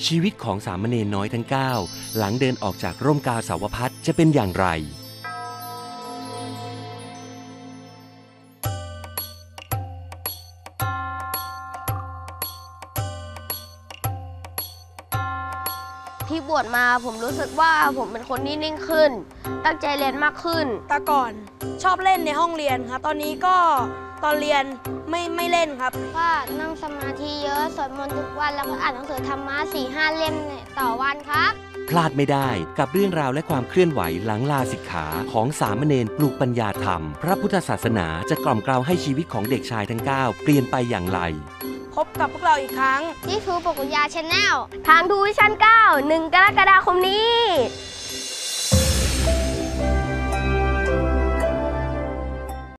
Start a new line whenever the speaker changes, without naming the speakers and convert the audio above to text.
ชีวิตของสามเณรน้อยทั้ง9หลังเดินออกจากร่มกาสาวพัสจะเป็นอย่างไร
ที่บวชมาผมรู้สึกว่าผมเป็นคนที่นิ่งขึ้นตั้งใจเรียนมากขึ้น
แต่ก่อนชอบเล่นในห้องเรียนครับตอนนี้ก็ตอนเรียนไม่เล่นครับ
ว่านั่งสมาธิเยอะสวดมนต์ทุกวันแล้วก็อ่านหนังสือธรรมะ4-5 เล่มต่อวันครับ
พลาดไม่ได้กับเรื่องราวและความเคลื่อนไหวหลังลาสิกขาของสามเณรปลูกปัญญาธรรมพระพุทธศาสนาจะกล่อมเกลาให้ชีวิตของเด็กชายทั้ง9เปลี่ยนไปอย่างไร
พบกับพวกเราอีกครั้ง
ที่ทูปกุญญาชาแนลทางทูวิชั่น9 1 กรกฎาคมนี้